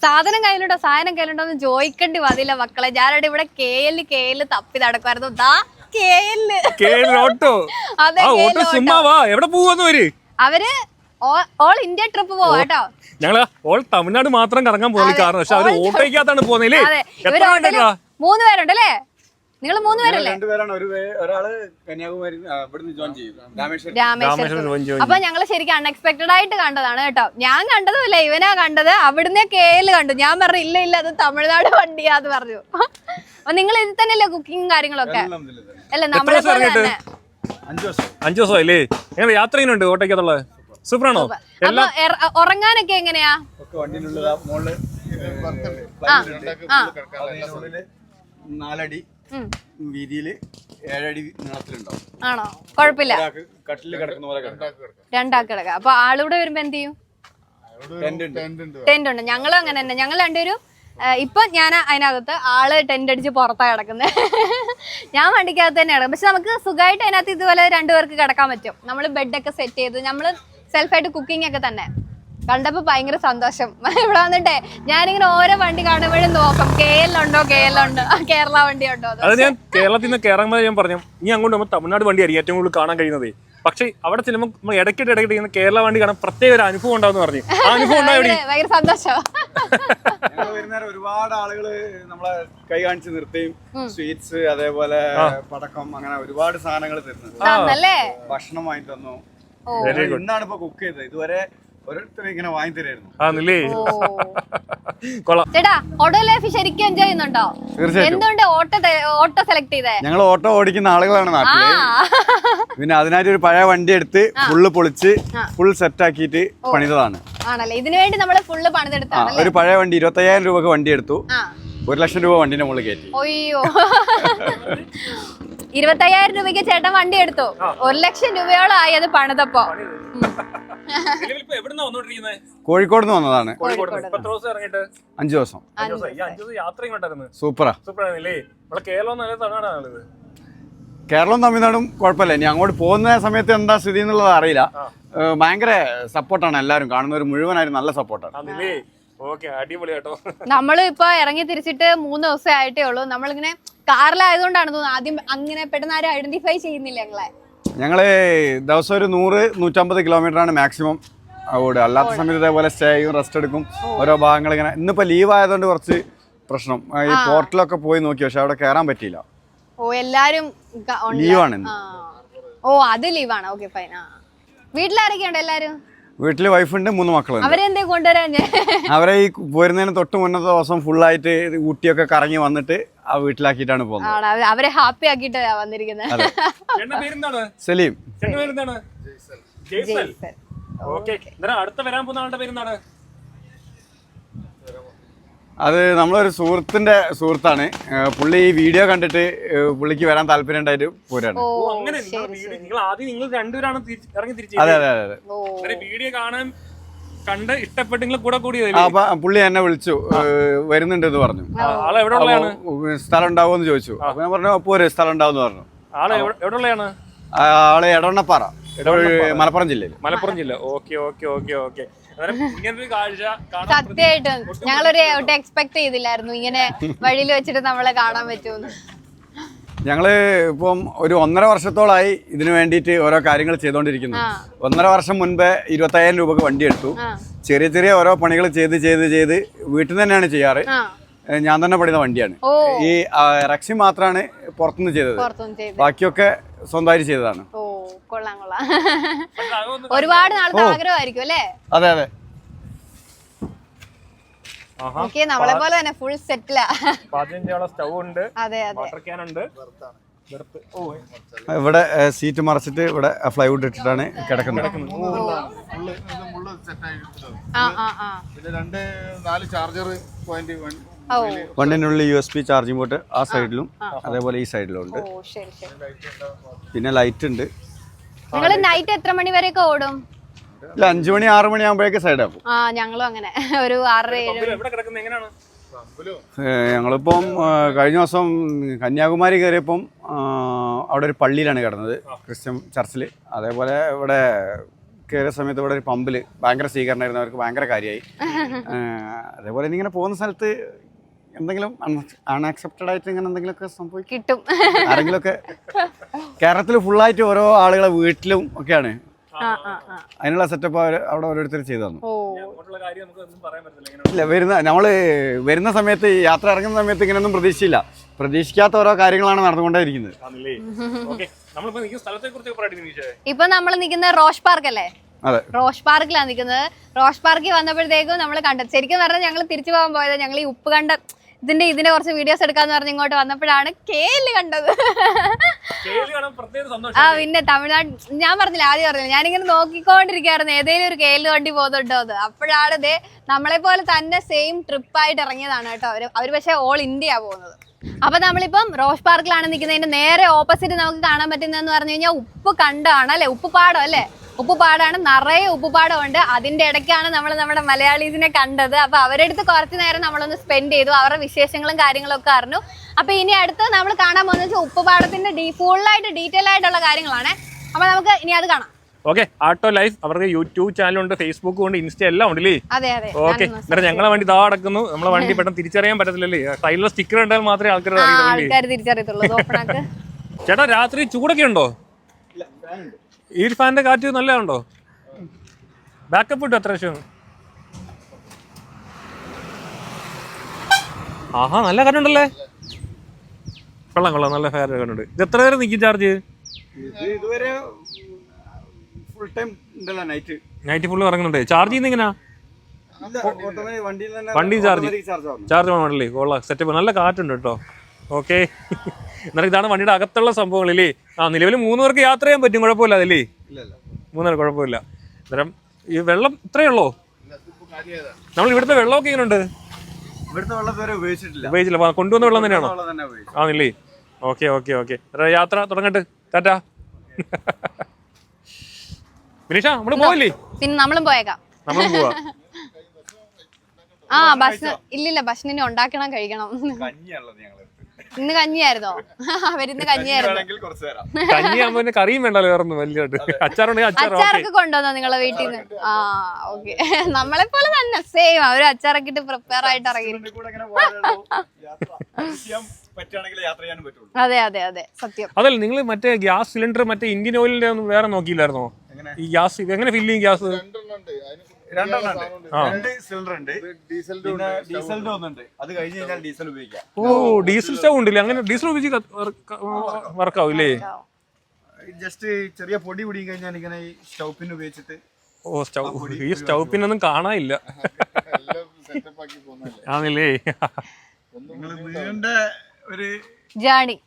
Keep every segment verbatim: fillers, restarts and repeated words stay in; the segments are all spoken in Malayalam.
സാധനം കയ്യിലുണ്ടോ സാധനം കയ്യിലുണ്ടോ എന്ന് ചോദിക്കേണ്ടി വന്നില്ല മക്കളെ. ഞാനവിടെ ഇവിടെ കെ എല് കെ എല് തപ്പി നടക്കുമായിരുന്നു. ദാ കെ എല് അതെ അവര് ഓൾ ഇന്ത്യ ട്രിപ്പ് പോവാ കേട്ടോ. ഞങ്ങള് ഓൾ തമിഴ്നാട് മാത്രം കറങ്ങാൻ പോകുന്ന കാരണം പക്ഷെ അവര് ഓട്ടോയ്ക്കകത്താണ് പോകുന്നില്ലേ. മൂന്ന് പേരുണ്ടല്ലേ? നിങ്ങൾ മൂന്ന് പേരല്ലേ? രാമേശ്വരം. അപ്പൊ ഞങ്ങള് ശരിക്കും അൺഎക്സ്പെക്ടഡ് ആയിട്ട് കണ്ടതാണ് കേട്ടോ. ഞാൻ കണ്ടതുമില്ല, ഇവനാ കണ്ടത്. അവിടുന്ന് കെ എൽ കണ്ടു. ഞാൻ പറഞ്ഞു ഇല്ല ഇല്ല അത് തമിഴ്നാട് വണ്ടിയാന്ന് പറഞ്ഞു. അപ്പൊ നിങ്ങൾ ഇതിൽ തന്നെയല്ലേ കുക്കിംഗ് കാര്യങ്ങളൊക്കെ? അല്ല നമ്മളെ പോലെ തന്നെ. അഞ്ചു ദിവസം അല്ലേ? എങ്ങനെ യാത്ര ചെയ്യുന്നുണ്ട് ഓട്ടോയ്ക്കകത്തുള്ളത്? സൂപ്പറാണോ? ഉറങ്ങാനൊക്കെ എങ്ങനെയാ? നാലടി വീതിയില് ഏഴടി നീളത്തിലുണ്ടാവും. ആണോ? കുഴപ്പമില്ല. കട്ടില് കിടക്കുന്ന പോലെ രണ്ടാൾക്ക് കിടക്കാം. അപ്പൊ ആളിവിടെ വരുമ്പോ എന്ത് ചെയ്യും? ടെന്റ് ഉണ്ട്. ഞങ്ങളും അങ്ങനെ തന്നെ. ഞങ്ങൾ രണ്ടുപേരും ഇപ്പൊ ഞാൻ അതിനകത്ത്, ആള് ടെന്റ് അടിച്ച് പുറത്താ കിടക്കുന്നത്. ഞാൻ വണ്ടിക്കകത്ത് തന്നെ കിടക്കും. പക്ഷെ നമുക്ക് സുഖമായിട്ട് അതിനകത്ത് ഇതുപോലെ രണ്ടുപേർക്ക് കിടക്കാൻ പറ്റും. നമ്മൾ ബെഡൊക്കെ സെറ്റ് ചെയ്ത് നമ്മള് സെൽഫായിട്ട് കുക്കിംഗ് ഒക്കെ തന്നെ. കണ്ടപ്പോ ഭയങ്കര സന്തോഷം. ഇവിടെ വന്നിട്ടേ ഞാനിങ്ങനെ ഓരോ വണ്ടി കാണുമ്പോഴും നോക്കും കെ എൽ ഉണ്ടോ കെ എൽ ഉണ്ടോ കേരള വണ്ടി ഉണ്ടോ. അത് ഞാൻ കേരളത്തിൽ നിന്ന് കയറുമ്പോൾ ഞാൻ പറഞ്ഞു ഇനി അങ്ങോട്ട് നമ്മൾ തമിഴ്നാട് വണ്ടിയായിരിക്കും ഏറ്റവും കൂടുതൽ കാണാൻ കഴിയുന്നത്. പക്ഷെ അവിടെ ചെല്ലുമ്പോൾ നമ്മൾ ഇടയ്ക്കിട്ട് ഇടയ്ക്കിട്ട് കേരള വണ്ടി കാണാൻ പ്രത്യേക ഒരു അനുഭവം ഉണ്ടാവും പറഞ്ഞു. ആ അനുഭവം ഭയങ്കര സന്തോഷം. വരുന്നേരം ഒരുപാട് ആളുകള് നമ്മളെ കൈ കാണിച്ച് നിർത്തിയും സ്വീറ്റ്സ് അതേപോലെ പടക്കം അങ്ങനെ ഒരുപാട് സാധനങ്ങൾ തരുന്നു. ഭക്ഷണം വാങ്ങി തന്നു. ഇന്നാണ് ഇപ്പൊ കുക്ക് ചെയ്തത്. ഇതുവരെ ഓരോരുത്തരും ഇങ്ങനെ വാങ്ങി തരായിരുന്നു. ചേട്ടാ ഓട്ടോ ലൈഫ് ശരിക്കും എൻജോയ് ചെയ്യുന്നുണ്ടോ? എന്തുകൊണ്ട് ഓട്ടോ ഓട്ടോ സെലക്ട് ചെയ്തേ? ഞങ്ങൾ ഓട്ടോ ഓടിക്കുന്ന ആളുകളാണ് നാട്ടില്. പിന്നെ അതിനായിട്ട് ഒരു പഴയ വണ്ടി എടുത്ത് ഫുള്ള് പൊളിച്ച് ഫുൾ സെറ്റ് ആക്കിയിട്ട് പണിതതാണ്. ആണല്ലേ? ഇതിനു വേണ്ടി നമ്മള് ഫുള്ള് പണിതെടുത്താണ്. ഒരു പഴയ വണ്ടി ഇരുപത്തി അയ്യായിരം രൂപക്ക് വണ്ടി എടുത്തു. ഒരു ലക്ഷം രൂപ വണ്ടിന്റെ മുകളിൽ കയറ്റി. അയ്യോ, ഇരുപത്തയ്യായിരം രൂപയ്ക്ക് ചേട്ടൻ വണ്ടി എടുത്തു. ഒരു ലക്ഷം രൂപയോളം ആയി അത് പണിതപ്പോ. കോഴിക്കോട് നിന്ന് വന്നതാണ്. അഞ്ചു ദിവസം. സൂപ്പറാ. കേരളവും തമിഴ്നാടും കുഴപ്പമില്ല. ഇനി അങ്ങോട്ട് പോകുന്ന സമയത്ത് എന്താ സ്ഥിതി എന്നുള്ളത് അറിയില്ല. ഭയങ്കര സപ്പോർട്ടാണ് എല്ലാവരും. കാണുന്നവർ മുഴുവനായിരുന്നു നല്ല സപ്പോർട്ടാണ്. നമ്മള് ഇപ്പൊ ഇറങ്ങി തിരിച്ചിട്ട് മൂന്ന് ദിവസം ആയിട്ടേ ഉള്ളൂ. നമ്മളിങ്ങനെ കാറിലായതുകൊണ്ടാണ് തോന്നുന്നു ആദ്യം അങ്ങനെ പെട്ടെന്ന് ആരും ഐഡന്റിഫൈ ചെയ്യുന്നില്ല ഞങ്ങളെ. ഞങ്ങള് ദിവസം ഒരു നൂറ് നൂറ്റമ്പത് കിലോമീറ്റർ ആണ് മാക്സിമം ഓടുക. അല്ലാത്ത സമയത്ത് ഇതേപോലെ സ്റ്റേ ചെയ്യും, റെസ്റ്റ് എടുക്കും. ഓരോ ഭാഗങ്ങൾ ഇങ്ങനെ. ഇന്നിപ്പോ ലീവ് ആയതുകൊണ്ട് കുറച്ച് പ്രശ്നം. ഈ പോർട്ടലൊക്കെ പോയി നോക്കി പക്ഷെ അവിടെ കയറാൻ പറ്റിയില്ല. ഓ എല്ലാരും ലീവാണ്. ഓ അത് ലീവാണ്. Okay fine. വീട്ടിലാരൊക്കെയുണ്ട്? എല്ലാരും വീട്ടില് വൈഫുണ്ട്, മൂന്ന് മക്കളുണ്ട്. അവരെന്തേ കൊണ്ടുവരാൻ? അവരെ ഈ പോരുന്നതിന് തൊട്ട് മുന്നത്തെ ദിവസം ഫുള്ളായിട്ട് ഊട്ടിയൊക്കെ കറങ്ങി വന്നിട്ട് ആ വീട്ടിലാക്കിയിട്ടാണ് പോകുന്നത്. അവരെ ഹാപ്പി ആക്കിയിട്ട് വന്നിരിക്കുന്നത്. സലീം. അത് നമ്മളൊരു സുഹൃത്തിന്റെ സുഹൃത്താണ്. പുള്ളി ഈ വീഡിയോ കണ്ടിട്ട് പുള്ളിക്ക് വരാൻ താല്പര്യം ഉണ്ടായിട്ട് പോരാണ്. അതെ അതെ അതെ. കണ്ട് ഇഷ്ടപ്പെട്ടെങ്കിൽ കൂടെ കൂടി പുള്ളി എന്നെ വിളിച്ചു വരുന്നുണ്ട് എന്ന് പറഞ്ഞു. സ്ഥലം ഉണ്ടാവുമെന്ന് ചോദിച്ചു. അപ്പൊ ഞാൻ പറഞ്ഞു അപ്പൊ ഒരു സ്ഥലം ഉണ്ടാവും പറഞ്ഞു. ആള് എടവണ്ണപ്പാറ, മലപ്പുറം ജില്ലയിൽ. മലപ്പുറം ജില്ല. Okay okay okay okay. സത്യമായിട്ടും ഞങ്ങളൊരു എക്സ്പെക്ട് ചെയ്തില്ലായിരുന്നു ഇങ്ങനെ വഴിയിൽ വെച്ചിട്ട് നമ്മളെ കാണാൻ പറ്റുമെന്ന്. ഞങ്ങള് ഇപ്പം ഒരു ഒന്നര വർഷത്തോളായി ഇതിനു വേണ്ടിയിട്ട് ഓരോ കാര്യങ്ങൾ ചെയ്തുകൊണ്ടിരിക്കുന്നു. ഒന്നര വർഷം മുൻപേ ഇരുപത്തയ്യായിരം രൂപക്ക് വണ്ടി എടുത്തു. ചെറിയ ചെറിയ ഓരോ പണികൾ ചെയ്ത് ചെയ്ത് ചെയ്ത് വീട്ടിൽ നിന്ന് തന്നെയാണ് ചെയ്യാറ്. ഞാൻ തന്നെ പണിത വണ്ടിയാണ്. ഈ റക്സി മാത്രമാണ് പുറത്തുനിന്ന് ചെയ്തത്. ബാക്കിയൊക്കെ സ്വന്തമായിട്ട് ചെയ്തതാണ്. ഒരുപാട് നാളത്തെ ആഗ്രഹമായിരിക്കും അല്ലേ? അതെ അതെ. നമ്മളെ പോലെ തന്നെ ഫുൾ സെറ്റിലാ. സ്റ്റൗ ഉണ്ട്. അതെ അതെ. ഇവിടെ സീറ്റ് മറച്ചിട്ട് ഇവിടെ ഫ്ലൈവുഡ് ഇട്ടിട്ടാണ് കിടക്കുന്നത്. വണ്ടിനുള്ളിൽ U S B charging port ആ സൈഡിലും അതേപോലെ ഈ സൈഡിലും ഉണ്ട്. പിന്നെ ലൈറ്റ് ഉണ്ട്. നിങ്ങള് നൈറ്റ് എത്ര മണി വരെയൊക്കെ ഓടും? അഞ്ചു മണി ആറു മണി ആകുമ്പോഴേക്ക് സൈഡ് ആക്കും. ആ ഞങ്ങളും അങ്ങനെ ഒരു ആറര ഏഴ്. ഞങ്ങളിപ്പം കഴിഞ്ഞ ദിവസം കന്യാകുമാരി കയറിയപ്പം അവിടെ ഒരു പള്ളിയിലാണ് കിടന്നത്, ക്രിസ്ത്യൻ ചർച്ചിൽ. അതേപോലെ ഇവിടെ കയറിയ സമയത്ത് ഇവിടെ ഒരു പമ്പിൽ ഭയങ്കര സ്വീകരണമായിരുന്നു, അവർക്ക് ഭയങ്കര കാര്യമായി. അതേപോലെ ഇങ്ങനെ പോകുന്ന സ്ഥലത്ത് എന്തെങ്കിലും അൺഅക്സെപ്റ്റഡ് ആയിട്ട് ഇങ്ങനെ എന്തെങ്കിലുമൊക്കെ സംഭവിക്കും, കിട്ടും. ആരെങ്കിലുമൊക്കെ കേരളത്തിൽ ഫുള്ളായിട്ട് ഓരോ ആളുകളെ വീട്ടിലും ഒക്കെയാണ് അതിനുള്ള സെറ്റപ്പ് അവർ അവിടെ ഓരോരുത്തർ ചെയ്തു തന്നു. ഇല്ല, വരുന്ന നമ്മൾ വരുന്ന സമയത്ത് യാത്ര ഇറങ്ങുന്ന സമയത്ത് ഇങ്ങനെയൊന്നും പ്രതീക്ഷിച്ചില്ല. പ്രതീക്ഷിക്കാത്ത ഓരോ കാര്യങ്ങളാണ് നടന്നുകൊണ്ടേയിരിക്കുന്നത്. ഇപ്പൊ നമ്മൾ നിൽക്കുന്ന റോഷ് പാർക്ക് അല്ലേ? അതെ, റോഷ് പാർക്കിലാണ് നിൽക്കുന്നത്. റോഷ് പാർക്കിൽ വന്നപ്പോഴത്തേക്കും നമ്മൾ കണ്ടത് ശരിക്കും പറഞ്ഞാൽ ഞങ്ങൾ തിരിച്ചു പോകാൻ പോയത് ഞങ്ങൾ ഈ ഉപ്പ് കണ്ട ഇതിന്റെ ഇതിന്റെ കുറച്ച് വീഡിയോസ് എടുക്കാന്ന് പറഞ്ഞ് ഇങ്ങോട്ട് വന്നപ്പോഴാണ് കേല് കണ്ടത്. ആ പിന്നെ തമിഴ്നാട് ഞാൻ പറഞ്ഞില്ല, ആദ്യം പറഞ്ഞില്ല, ഞാനിങ്ങനെ നോക്കിക്കൊണ്ടിരിക്കുകയായിരുന്നു ഏതെങ്കിലും ഒരു കേല് വണ്ടി പോകുന്നുണ്ടോ അത്. അപ്പോഴാണ് ഇതേ നമ്മളെ പോലെ തന്നെ സെയിം ട്രിപ്പായിട്ട് ഇറങ്ങിയതാണ് കേട്ടോ അവര്. അവര് പക്ഷേ ഓൾ ഇന്ത്യ പോകുന്നത്. അപ്പൊ നമ്മളിപ്പം റോഷ് പാർക്കിലാണ് നിൽക്കുന്നതിന്റെ നേരെ ഓപ്പോസിറ്റ് നമുക്ക് കാണാൻ പറ്റുന്നതെന്ന് പറഞ്ഞു കഴിഞ്ഞാൽ ഉപ്പ് കണ്ടാണ് അല്ലെ, ഉപ്പുപാടം അല്ലേ, ഉപ്പുപാടാണ്, നിറയെ ഉപ്പുപാടമുണ്ട്. അതിന്റെ ഇടയ്ക്കാണ് നമ്മൾ നമ്മുടെ മലയാളീസിനെ കണ്ടത്. അപ്പൊ അവരുടെ അടുത്ത് കുറച്ച് നേരം നമ്മളൊന്ന് സ്പെൻഡ് ചെയ്തു, അവരുടെ വിശേഷങ്ങളും കാര്യങ്ങളും ഒക്കെ അറിഞ്ഞു. അപ്പൊ ഇനി അടുത്ത് നമ്മൾ കാണാൻ പോകുന്നത് വെച്ചാൽ ഉപ്പുപാടത്തിന്റെ ഡീ ഫുള്ളായിട്ട് ഡീറ്റെയിൽ ആയിട്ടുള്ള കാര്യങ്ങളാണ്. അപ്പൊ നമുക്ക് ഇനി അത് കാണാം. ഓക്കെ, ആട്ടോ ലൈഫ് അവർക്ക് യൂട്യൂബ് ചാനലുണ്ട്, ഫേസ്ബുക്ക് ഉണ്ട്, ഇൻസ്റ്റ എല്ലാം ഉണ്ടല്ലേ? അതെ അതെ. ഓക്കെ, എന്നിട്ട് ഞങ്ങളെ വണ്ടി ഇതാ അടക്കുന്നു. നമ്മളെ വണ്ടി പെട്ടെന്ന് തിരിച്ചറിയാൻ പറ്റത്തില്ലല്ലേ, സൈഡിലെ സ്റ്റിക്കർ ഉണ്ടായാൽ മാത്രമേ ആൾക്കാർ ആൾക്കാർ തിരിച്ചറിയത്തുള്ളൂ. ചേട്ടാ, രാത്രി ചൂടൊക്കെ ഉണ്ടോ? ഈ ഫാനിന്റെ കാറ്റ് നല്ലതുണ്ടോ? ബാക്കപ്പ് കിട്ടും എത്ര ലക്ഷം? ആഹാ, നല്ല കാറ്റുണ്ടല്ലേ. കൊള്ളാം കൊള്ളാം, നല്ല ഫെയർ കാറ്റുണ്ട്. ഇത് എത്ര നേരം നിൽക്കും ചാർജ്? ഇതുവരെ ഫുൾ ടൈം ഉണ്ടല്ലോ, നൈറ്റ് നൈറ്റ് ഫുള്ള് ഇറങ്ങുന്നുണ്ട്. ചാർജ് ചെയ്യുന്ന എങ്ങനെയാ? വണ്ടി ചാർജ് ചാർജ് വേണമല്ലേ? കൊള്ളാം, സെറ്റപ്പ്, നല്ല കാറ്റുണ്ട് കേട്ടോ. ഓക്കെ, എന്നാലും ഇതാണ് വണ്ടിയുടെ അകത്തുള്ള സംഭവങ്ങളില്ലേ. ആ, നിലവിൽ മൂന്ന് പേർക്ക് യാത്ര ചെയ്യാൻ പറ്റും, കുഴപ്പമില്ല അതല്ലേ? മൂന്നേരം കുഴപ്പമില്ല. അന്നേരം ഈ വെള്ളം ഇത്രയേ ഉള്ളോ? നമ്മൾ ഇവിടുത്തെ വെള്ളമൊക്കെ എങ്ങനെയുണ്ട്? ഇവിടുത്തെ വെള്ളം വരെ ഉപയോഗിച്ചിട്ടില്ല. ഉപയോഗിച്ചില്ല, കൊണ്ടുവന്ന വെള്ളം തന്നെയാണോ? ആണല്ലേ? ഓക്കെ ഓക്കെ ഓക്കെ, യാത്ര തുടങ്ങട്ടെ. ടാറ്റാ. വിനീഷ, നമ്മള് പോയില്ലേ? പിന്നെ നമ്മളും പോയേക്കാം. നമ്മളും പോവാ. ആ ഭക്ഷണം ഇല്ലില്ല, ഭക്ഷണം ഇനി ഉണ്ടാക്കണം, കഴിക്കണം. ഇന്ന് കഞ്ഞിയായിരുന്നോ? അവരിന്ന് കഞ്ഞിയായിരുന്നു. കഞ്ഞിയാകുമ്പോ കറിയും വേണ്ടല്ലോ, വേറൊന്നും വലിയായിട്ട്. അച്ചാറുണ്ടെങ്കിൽ അച്ചാറൊക്കെ കൊണ്ടുവന്നോ നിങ്ങളെ വീട്ടിൽ നിന്ന്? ആ ഓക്കെ, നമ്മളെ പോലെ തന്നെ സെയിം. അവര് അച്ചാറൊക്കെ ഇട്ട് പ്രിപ്പയർ ആയിട്ട് ഇറങ്ങി. അതെ അതെ അതെ, സത്യം. അതല്ല, നിങ്ങൾ മറ്റേ ഗ്യാസ് സിലിണ്ടർ മറ്റേ ഇന്ത്യൻ ഓയിലിന്റെ ഒന്നും വേറെ നോക്കിയില്ലായിരുന്നോ? ഈ ഗ്യാസ് എങ്ങനെ ഫില്ല് ചെയ്യും? ഗ്യാസ് ഓ, ഡീസൽ സ്റ്റവ് ഉണ്ടല്ലേ? അങ്ങനെ ഡീസൽ ഉപയോഗിച്ച് വർക്കാവും ഇല്ലേ? ജസ്റ്റ് ചെറിയ പൊടി പിടിയും കഴിഞ്ഞാൽ ഇങ്ങനെ ഈ സ്റ്റൗ പിൻ ഉപയോഗിച്ചിട്ട്. ഓ, സ്റ്റൗ, ഈ സ്റ്റൗ പിന്നൊന്നും കാണാനില്ല ആണല്ലേ? ഒരു ജേണി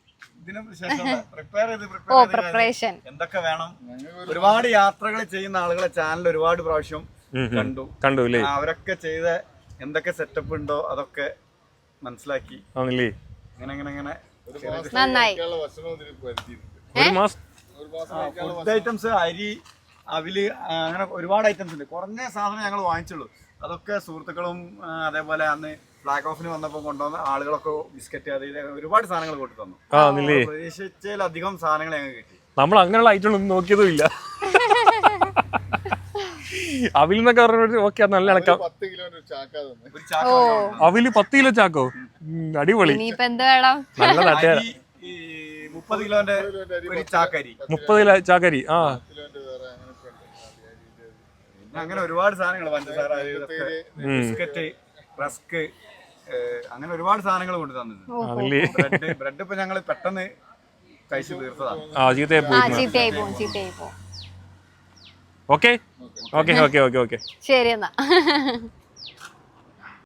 ഓ പ്രിപ്പറേഷൻ എന്തൊക്കെ വേണം. ഒരുപാട് യാത്രകൾ ചെയ്യുന്ന ആളുകളെ ചാനൽ ഒരുപാട് പ്രാവശ്യം കണ്ടു കണ്ടു അല്ലേ? അവരൊക്കെ ചെയ്ത എന്തൊക്കെ സെറ്റപ്പ് ഉണ്ടോ അതൊക്കെ മനസ്സിലാക്കി. അങ്ങനെ അങ്ങനെ അങ്ങനെ ഫുഡ് ഐറ്റംസ്, അരി, അവില്, അങ്ങനെ ഒരുപാട് ഐറ്റംസ് ഉണ്ട്. കുറഞ്ഞ സാധനം ഞങ്ങൾ വാങ്ങിച്ചുള്ളൂ. അതൊക്കെ സുഹൃത്തുക്കളും അതേപോലെ അന്ന് ഫ്ലാഗ് ഓഫിന് വന്നപ്പോൾ കൊണ്ടുവന്ന ആളുകളൊക്കെ ബിസ്ക്കറ്റ് അത് ഇത് ഒരുപാട് സാധനങ്ങൾ കൊണ്ടു തന്നു. പ്രതീക്ഷിച്ചതിലധികം സാധനങ്ങൾ ഞങ്ങൾ കിട്ടി. നമ്മൾ അങ്ങനെയുള്ള ഐറ്റങ്ങളൊന്നും നോക്കിയതും ഇല്ല. അവിലെന്നൊക്കെ പറഞ്ഞ ഓക്കെ, നല്ല ഇണക്കാം. അവില് പത്ത് കിലോ ചാക്കോ? അടിപൊളി, നല്ല തട്ടുകാര. മുപ്പത് കിലോന്റെ ഒരു ചാക്കരി, മുപ്പത് കിലോ ചാക്കരി. ആ, അങ്ങനെ ഒരുപാട് സാധനങ്ങൾ, പഞ്ചസാര, ബിസ്ക്കറ്റ്, റസ്ക്, അങ്ങനെ ഒരുപാട് സാധനങ്ങൾ കൊണ്ട് തന്നിട്ടുണ്ട്. ബ്രെഡ് ബ്രെഡ് ഇപ്പൊ ഞങ്ങൾ പെട്ടെന്ന് കഴിച്ചു തീർത്തതാണ്. Okay okay okay okay okay, ശരി എന്നാ.